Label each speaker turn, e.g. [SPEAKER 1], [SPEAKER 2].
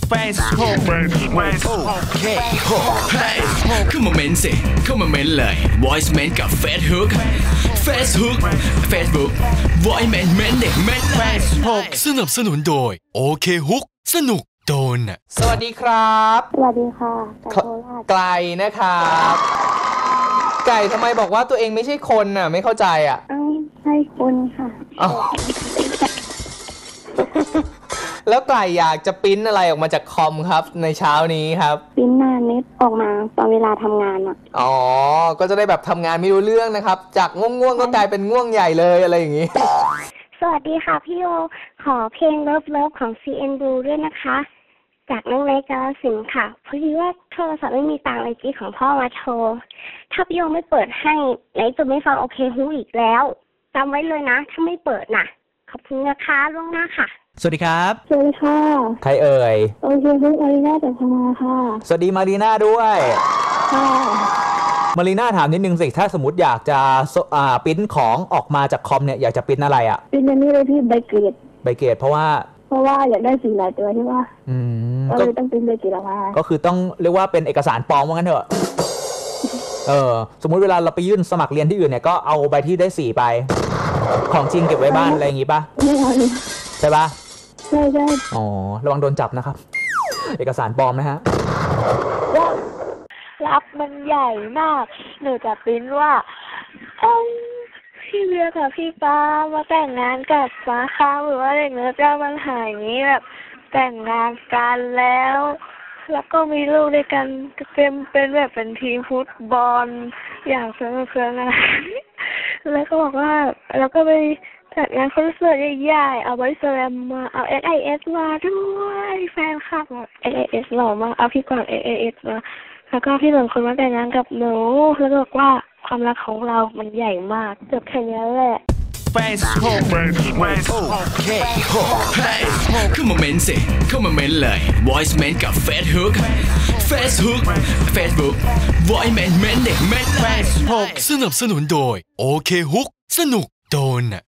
[SPEAKER 1] Facebook
[SPEAKER 2] เข้ามาเม้นสิเข้ามาเม้นเลย Voice เม้นกับ Facebook Facebook Voice เม้นเด็กเม้นเลย สนับสนุนโดยโอเคฮุกสนุกโดนน่ะ
[SPEAKER 3] สวัสดีครับ
[SPEAKER 4] สวัสดีค่ะไก่โคราช
[SPEAKER 3] ไก่นะครับไก่ทำไมบอกว่าตัวเองไม่ใช่คนน่ะไม่เข้าใจอ่ะ
[SPEAKER 4] ใช่คนค่ะ
[SPEAKER 3] แล้วไก่อยากจะปริ้นอะไรออกมาจากคอมครับในเช้านี้ครับ
[SPEAKER 4] ปริ้นหน้าเน็ตออกมาตอนเวลาทำงานอ่ะ
[SPEAKER 3] อ๋อก็จะได้แบบทำงานไม่รู้เรื่องนะครับจากง่วงก็กลายเป็นง่วงใหญ่เลยอะไรอย่างงี้
[SPEAKER 4] สวัสดีค่ะพี่โอขอเพลง Love ของ CN Blue ด้วยนะคะจากน้องเล็กกาลสินค่ะพอดีว่าโทรศัพท์ไม่มีตังค์เลยจีของพ่อมาโทรถ้าพี่โอไม่เปิดให้ไหนจะไม่ฟังโอเคฮู้อีกแล้วจำไว้เลยนะถ้าไม่เปิดน่ะขอบคุณนะคะล่วงหน้าค่ะ
[SPEAKER 1] สวัสดีครับ
[SPEAKER 4] สวัสดีค่ะ
[SPEAKER 3] ใครเอ่ย
[SPEAKER 4] โอเคฮู้มารีน่าจากพม่าค่ะ
[SPEAKER 3] สวัสดีมารีน่าด้วย
[SPEAKER 4] ค่ะ
[SPEAKER 3] มารีน่าถามนิดนึงสิถ้าสมมติอยากจะปริ้นของออกมาจากคอมเนี่ยอยากจะปริ้นอะไรอ่ะ
[SPEAKER 4] ปริ้นอันนี้เลยพี่ใบเกรด
[SPEAKER 3] เพราะว่า
[SPEAKER 4] อยากได้สีหลายตัวที่ว่าก็เลยต้องปริ้นใบเกรดออกมา
[SPEAKER 3] ก็คือต้องเรียกว่าเป็นเอกสารปลอมว่างั้นเถอะสมมุติเวลาเราไปยื่นสมัครเรียนที่อื่นเนี่ยก็เอาใบที่ได้4ไปของจริงเก็บไว้บ้านอะไรอย่างงี้ป่ะ
[SPEAKER 4] ไม่เอา
[SPEAKER 3] ใช่ป่ะ
[SPEAKER 4] ใช่
[SPEAKER 3] อ๋อระวังโดนจับนะครับเอกสารปลอมนะฮะ
[SPEAKER 4] รับมันใหญ่มากหนูจะปริ้นว่าพี่เบียร์กับพี่ป้ามาแต่งงานกับฟ้าค้างหรือว่าเด็กเนื้อเจ้าปัญหาอย่างนี้แบบแต่งงานกันแล้วก็มีลูกด้วยกันเป็นแบบเป็นทีมฟุตบอลอย่างเพื่อนอะไรแล้วก็บอกว่าแล้วก็ไปจัดงานคอนเสิร์ตใหญ่ๆเอาไว้แสดงมาเอา SIS มาด้วยแฟนคลับแบบ SIS หล่อมากเอาพี่กวาง SIS มาแล้วก็พี่หนึ่งคนมาแต่งงานกับหนูแล้วก็บอกว่าความรักของเรามันใหญ่มากจบแค่นี้แหละ
[SPEAKER 2] Facebook เข้ามาเม้นสิเข้ามาเม้นเลย Voice เม้นกับ Facebook Voice เม้นเด็กเม้นเลยสนับสนุนโดยโอเคฮุกสนุกโดนน่ะ